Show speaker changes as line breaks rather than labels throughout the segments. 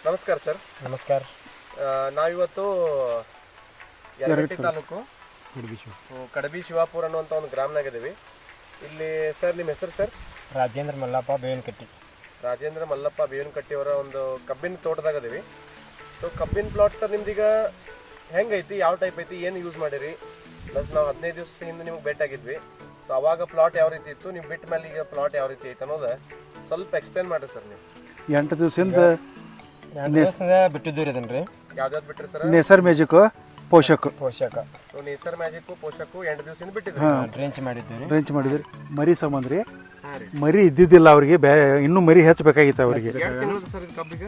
ನಮಸ್ಕಾರ ಸರ್.
ನಮಸ್ಕಾರ.
ನಾವಿವತ್ತು ಯಲಗಟ್ಟಿ ತಾಲೂಕು ಕಡಬಿ ಶಿವಾಪುರ ಅನ್ನುವಂಥ ಒಂದು ಗ್ರಾಮನಾಗಿದ್ದೀವಿ. ಇಲ್ಲಿ ಸರ್ ನಿಮ್ಮ ಹೆಸರು ಸರ್?
ರಾಜೇಂದ್ರ ಮಲ್ಲಪ್ಪ ಬೇವಿನಕಟ್ಟಿ.
ರಾಜೇಂದ್ರ ಮಲ್ಲಪ್ಪ ಬೇವಿನಕಟ್ಟಿ ಅವರ ಒಂದು ಕಬ್ಬಿನ ತೋಟದಾಗದೀವಿ. ಸೊ ಕಬ್ಬಿನ ಪ್ಲಾಟ್ ಸರ್ ನಿಮ್ದೀಗ ಹೆಂಗೈತಿ, ಯಾವ ಟೈಪ್ ಐತಿ, ಏನು ಯೂಸ್ ಮಾಡಿರಿ? ಪ್ಲಸ್ ನಾವು 15 ದಿವಸ ಹಿಂದೆ ನಿಮ್ಗೆ ಭೇಟಿಯಾಗಿದ್ವಿ. ಸೊ ಅವಾಗ ಪ್ಲಾಟ್ ಯಾವ ರೀತಿ ಇತ್ತು, ನೀವು ಬಿಟ್ಟ ಮೇಲೆ ಈಗ ಪ್ಲಾಟ್ ಯಾವ ರೀತಿ ಐತೆ ಅನ್ನೋದು ಸ್ವಲ್ಪ ಎಕ್ಸ್ಪ್ಲೇನ್ ಮಾಡಿರಿ ಸರ್. ನೀವು
8 ದಿವಸದಿಂದ
ಬಿಟ್ಟಿದ್ದೀರಿ ಅದನ್ರಿ.
ಯಾವ್ದಾವ್ದು ಬಿಟ್ರಿ sir?
Nesar magic Poshak
so Nesar magic Poshak 8 ದಿವಸದಿಂದ ಬಿಟ್ಟಿದ್ರಿ.
ಡ್ರೆಂಚ್ ಮಾಡಿದ್ದೀರಿ.
ಡ್ರೆಂಚ್ ಮಾಡಿದ್ರಿ. ಮರಿ ಸಂಬಂಧ ರೀ, ಮರಿ ಇದ್ದಿದ್ದಿಲ್ಲ ಅವ್ರಿಗೆ, ಇನ್ನೂ ಮರಿ ಹೆಚ್ಚಬೇಕಾಗಿತ್ತು ಅವ್ರಿಗೆ.
ಎರಡು ತಿಂಗಳು ಸರ್ ಇದು ಕಬ್ಬಿಗೆ?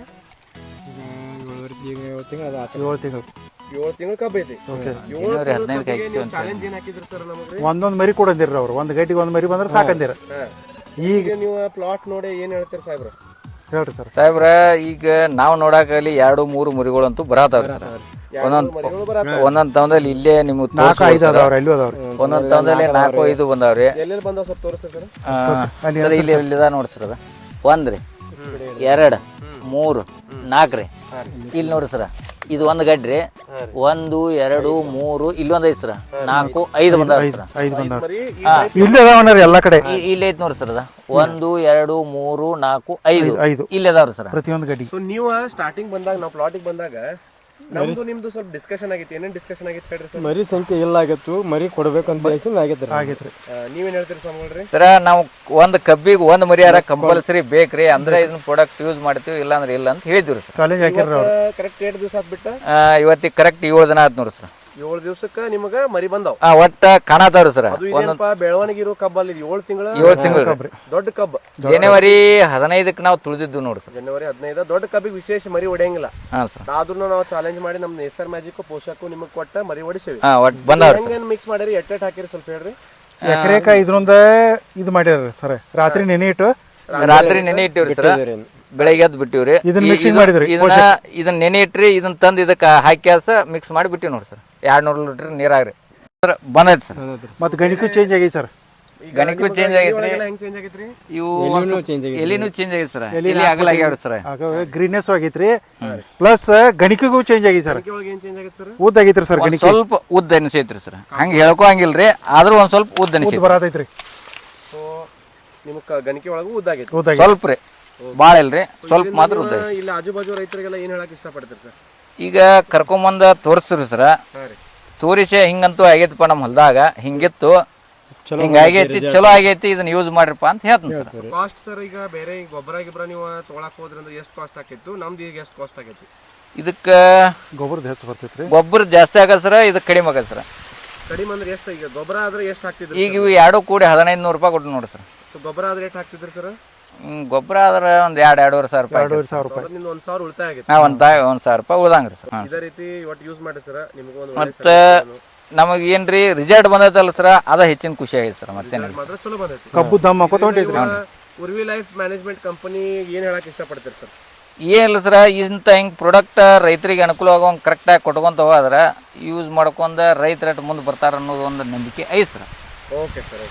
7 ತಿಂಗಳು
7 ತಿಂಗಳು ಕಬ್ಬು ಐತಿ. ಚಾಲೆಂಜ್ ಏನ್ ಹಾಕಿದ್ರಿ ಸರ್ ನಮಗೆ?
ಒಂದೊಂದು ಮರಿ ಕೊಡಂದಿರ ಅವ್ರು, ಒಂದ್ ಗಂಟೆಗೆ ಒಂದ್ ಮರಿ ಬಂದ್ರೆ ಸಾಕಂದಿರ.
ಈಗ ನೀವು ಪ್ಲಾಟ್ ನೋಡಿ ಏನ್ ಹೇಳ್ತೀರಿ ಸಾಹೇಬ್ರ?
ಹೇಳ್ರಿ ಸರ್.
ಸಾಹೇಬ್ರ, ಈಗ ನಾವು ನೋಡಾಕಲ್ಲಿ 2-3 ಮರಿಗಳಂತೂ ಬರತಾವ್ರಿ ಸರ್. ಒಂದೊಂದ್ ತವದಲ್ಲಿ ಇಲ್ಲೇ ನಿಮ್ಗೆ
4-5 ಅದಾವ್ರಿ, ಅಲ್ಲಿ ಅದಾವ್ರಿ.
ಒಂದೊಂದ್ ತವದಲ್ಲಿ 4-5 ಬಂದಾವ್ರಿ.
ಎಲ್ಲೆಲ್ಲಿ ಬಂದಾವ ಸ್ವಲ್ಪ ತೋರಿಸ್ತೀರಿ ಸರ್?
ಇಲ್ಲಿ ನೋಡ್ರಿ ಸರ್, ಅದ 1 ರೀ, 2, 3, 4 ರೀ. ಇಲ್ಲಿ ನೋಡ್ರಿ ಸರ, ಇದು ಒಂದ್ ಗಡ್ರಿ, 1, 2, 3, ಇಲ್ಲೊಂದ್ ಐತಿ ಸರ, 4, 5 ಬಂದಾವ್ರಿ ಸರ್.
5 ಬಂದಾವ್ರಿ. ಇಲ್ಲಿ ಅದಾವಣ್ಣ ಎಲ್ಲ ಕಡೆ.
ಇಲ್ಲಿ ಐತಿ ನೋಡ್ರಿ ಸರ್, ಅದ 1, 2, 3, 4, 5 ಇಲ್ಲಿ ಅದಾವ್ರಿ ಸರ್
ಪ್ರತಿಯೊಂದು ಗಡ್ಡಿ.
ಸೊ ನೀವು ಸ್ಟಾರ್ಟಿಂಗ್ ಬಂದಾಗ, ನಾವು ಪ್ಲಾಟಿಗೆ ಬಂದಾಗ ನಮ್ದು ನಿಮ್ದು ಸ್ವಲ್ಪ ಡಿಸ್ಕಷನ್ ಆಗಿತ್ತು. ಏನೇನ್ ಡಿಸ್ಕಷನ್ ಆಗಿತ್ತು ಹೇಳ್ರಿ ಸರ್?
ಮರಿ ಸಂಖ್ಯೆ ಇಲ್ಲ ಆಗಿತ್ತು, ಮರಿ ಕೊಡ್ಬೇಕಂತ
ಆಗೈತ್ರಿ.
ನೀವೇನ್ ಹೇಳ್ತೀರಿ ಸ್ವಾಮಿಗಳ್ರಿ?
ಸರ, ನಾವು ಒಂದ್ ಕಬ್ಬಿಗೆ ಒಂದ್ ಮರಿಯಾರ ಕಂಪಲ್ಸರಿ ಬೇಕ್ರಿ, ಅಂದ್ರೆ ಇದನ್ನ ಪ್ರಾಡಕ್ಟ್ ಯೂಸ್ ಮಾಡ್ತೀವಿ, ಇಲ್ಲ ಅಂದ್ರೆ ಇಲ್ಲ ಅಂತ ಹೇಳಿದ್ವಿ ಸರ್.
ಚಾಲೆಂಜ್ ಹಾಕಿರ್ರಿ ಅವ್ರು.
ಕರೆಕ್ಟ್ 8 ದಿವಸ ಆದ್ಬಿಟ್ಟ
ಇವತ್ತಿಗೆ ಕರೆಕ್ಟ್ 7 ದಿನ ಆಯ್ತು ನೋಡ್ರಿ ಸರ್.
7 ದಿವಸಕ್ಕ ನಿಮಗ ಮರಿ ಬಂದಾವ್.
ಒಟ್ಟ ಕಾಣತಾವ್ರಿ ಸರ್.
ಅದು ಇದೇನಪ್ಪ ಬೆಳವಣಿಗೆ ಇರೋ ಕಬ್ಬಲ್ಲಿ 7 ತಿಂಗಳ ದೊಡ್ಡ ಕಬ್ಬ.
ಜನವರಿ 15ಕ್ಕೆ ನಾವು ತುಳಿದಿದ್ದು ನೋಡ್ರಿ ಸರ್.
ಜನವರಿ 15 ದೊಡ್ಡ ಕಬ್ಬಿಗೆ ವಿಶೇಷ ಮರಿ ಹೊಡೆಯಂಗಿಲ್ಲ.
ಹಾ ಸರ್.
ಆದ್ರೂ ನಾವು ಚಾಲೆಂಜ್ ಮಾಡಿ ನಮ್ ನೇಸರ್ ಮ್ಯಾಜಿಕ್ ಪೋಷಕ ನಿಮಗ್ ಕೊಟ್ಟ ಮರಿ ಹೊಡಿಸೇವಿ.
ಒಟ್ ಬಂದಾವ್ರಿ ಸರ್.
ಹೆಂಗೇನ್ ಮಿಕ್ಸ್ ಮಾಡಿರಿ, ಎಟ್ಟೆಟ್ ಹಾಕಿರಿ ಸ್ವಲ್ಪ ಹೇಳ್ರಿ.
ಎಕರೆಕ ಇದ್ರೊಂದ ಇದು ಮಾಡ್ಯಾರ ಸರ್. ರಾತ್ರಿ ನೆನೆ ಇಟ್ಟು
ರಾತ್ರಿ ನೆನೆ ಇಟ್ಟಿವ್ರಿ ಸರ್, ಬೆಳಗ್ಗೆ ಎದ್ದು ಬಿಟ್ಟಿವ್ರಿ.
ಇದನ್ನ ಮಿಕ್ಸಿಂಗ್ ಮಾಡಿದ್ರಿ.
ಇದನ್ನ ನೆನೆ ಇಟ್ರಿ, ಇದನ್ನ ತಂದು ಇದಕ್ಕೆ ಹಾಕಿ ಮಿಕ್ಸ್ ಮಾಡಿ ಬಿಟ್ಟಿವಿ ನೋಡ್ರಿ ಸರ್. 200 ಲೀಟರ್ ನೀರಾಗ್ರಿ ಸರ್ ಬಂದೈತಿ ಸರ್.
ಮತ್ತೆ ಗಣಿಕೂ ಚೇಂಜ್ ಆಗೈತಿ ಸರ್.
ಗಣಿಕೂ ಚೇಂಜ್ ಆಗೈತ್ರಿ,
ಹೆಂಗ್ ಚೇಂಜ್ ಆಗೈತ್ರಿ?
ಇವು ಎಲಿನೂ ಚೇಂಜ್ ಆಗೈತಿ ಸರ್. ಎಲಿ ಆಗಲಾಗ್ಯಾವ್ರಿ ಸರ್.
ಗ್ರೀನೆಸ್ ಆಗೈತ್ರಿ, ಪ್ಲಸ್ ಗಣಿಕೆಗೂ ಚೇಂಜ್ ಆಗೈತಿ ಸರ್.
ಏನ್ ಚೇಂಜ್ ಆಗೈತಿ ಸರ್?
ಉದ್ದ ಆಗೈತ್ರಿ ಸರ್. ಗಣಿಕೆ
ಸ್ವಲ್ಪ ಉದ್ದ ಅನಿಸೈತ್ರಿ ಸರ್. ಹಂಗ ಹೇಳ್ಕೊ ಹಂಗಿಲ್ರಿ, ಆದ್ರೂ ಒಂದ್ ಸ್ವಲ್ಪ ಉದ್ದ ಅನಿಸೈತಿ
ಬರತೈತ್ರಿ.
ಸೊ ನಿಮ್ಗೆ ಗಣಿಕೆ ಒಳಗೂ ಉದ್ದಾಗೈತಿ.
ಸ್ವಲ್ಪ ರೀ, ಬಾಳ ಇಲ್ರಿ, ಸ್ವಲ್ಪ ಮಾತ್ರ ಉದ್ದ.
ಇಲ್ಲಿ ಆಜು ಬಾಜು ರೈತರಿಗೆಲ್ಲ ಏನ್ ಹೇಳಕ್ ಇಷ್ಟಪಡ್ತೀರಿ ಸರ್?
ಈಗ ಕರ್ಕೊಂಬಂದ ತೋರಿಸ್ರಿ ಸರ್. ತೋರಿಸಿ ಹಿಂಗಂತೂ ಆಗೈತಿಪ್ಪ ನಮ್ಮ ಹೊಲದಾಗ, ಹಿಂಗಿತ್ತು, ಹಿಂಗಾಗೈತಿ, ಚಲೋ ಆಗೈತಿ, ಇದನ್ನ ಯೂಸ್ ಮಾಡ್ರಿಪ್ಪ ಅಂತ ಹೇಳ್ತೀನಿ ಸರ್.
ಕಾಸ್ಟ್ ಸರ್, ಈಗ ಬೇರೆ ಗೊಬ್ಬರ ಗಿಬ್ಬರ ನೀವು ತೊಗೊಳಕ್ ಹೋದ್ರಿ ಅಂದ್ರೆ ಎಷ್ಟು ಕಾಸ್ಟ್ ಆಕೈತು? ನಮ್ದು ಈಗ ಎಷ್ಟು ಕಾಸ್ಟ್ ಆಗೈತಿ?
ಇದಕ್ಕ
ಗೊಬ್ಬರದ ಹೆಚ್ಚು ಬರ್ತೈತ್ರಿ.
ಗೊಬ್ಬರ ಜಾಸ್ತಿ ಆಗದ ಸರ್, ಇದಕ್ಕೆ ಕಡಿಮೆ ಆಗದ ಸರ್.
ಕಡಿಮೆ ಅಂದ್ರೆ ಎಷ್ಟು? ಈಗ ಗೊಬ್ಬರ ಆದ್ರೆ ಎಷ್ಟು ಹಾಕ್ತಿದ್ರಿ?
ಈಗ ಇವು ಎರಡು ಕೂಡಿ 1500 ರೂಪಾಯಿ ಕೊಟ್ಟು ನೋಡಿ ಸರ್.
ಗೊಬ್ಬರ ಆದ್ರೆ ಎಷ್ಟು ಹಾಕ್ತಿದ್ರಿ ಸರ್?
ಗೊಬ್ಬರ ಆದ್ರೆ ಒಂದ್ 2-2.5 ಸಾವಿರ ರೂಪಾಯಿ.
2,500 ರೂಪಾಯಿ.
ನಿಮ್ದು 1,000 ಉಳಿತಾಯ ಆಗೈತಿ.
ಒಂದ್ 1,000 ರೂಪಾಯಿ ಉಳ್ದಂಗ್ರಿ ಸರ್.
ಇದೇ ರೀತಿ ಒಟ್ಟು ಯೂಸ್ ಮಾಡಿ ಸರ್, ನಿಮ್ಗೆ ಒಂದು
ಮತ್ತ ನಮಗ್ ಏನ್ರಿ ರಿಸಲ್ಟ್ ಬಂದೈತಲ್ಲ ಸರ್, ಅದ ಹೆಚ್ಚಿನ ಖುಷಿ ಆಗೈತಿ ಸರ್. ಮತ್ತೆ
ಮಾತ್ರ ಚಲೋ ಬಂದೈತಿ.
ಕಬ್ಬು ದಮ್ ಹಾಕೋತ ಹೊಂಟೈತ್ರಿ.
ಉರ್ವಿ ಲೈಫ್ ಮ್ಯಾನೇಜ್ಮೆಂಟ್ ಕಂಪನಿ ಏನ್ ಹೇಳಕ್ ಇಷ್ಟಪಡ್ತೀರಿ ಸರ್?
ಏನಿಲ್ಲ ಸರ್, ಇಂಥ ಹಿಂಗ್ ಪ್ರಾಡಕ್ಟ್ ರೈತರಿಗೆ ಅನುಕೂಲ ಆಗೋಂಗ್ ಕರೆಕ್ಟಾಗಿ ಕೊಟ್ಕೊಂತ ಹೋದ್ರ ಯೂಸ್ ಮಾಡ್ಕೊಂಡ ರೈತರ ಮುಂದೆ ಬರ್ತಾರ ಅನ್ನೋದು ಒಂದು ನಂಬಿಕೆ ಐತಿ ಸರ್.
Okay sir.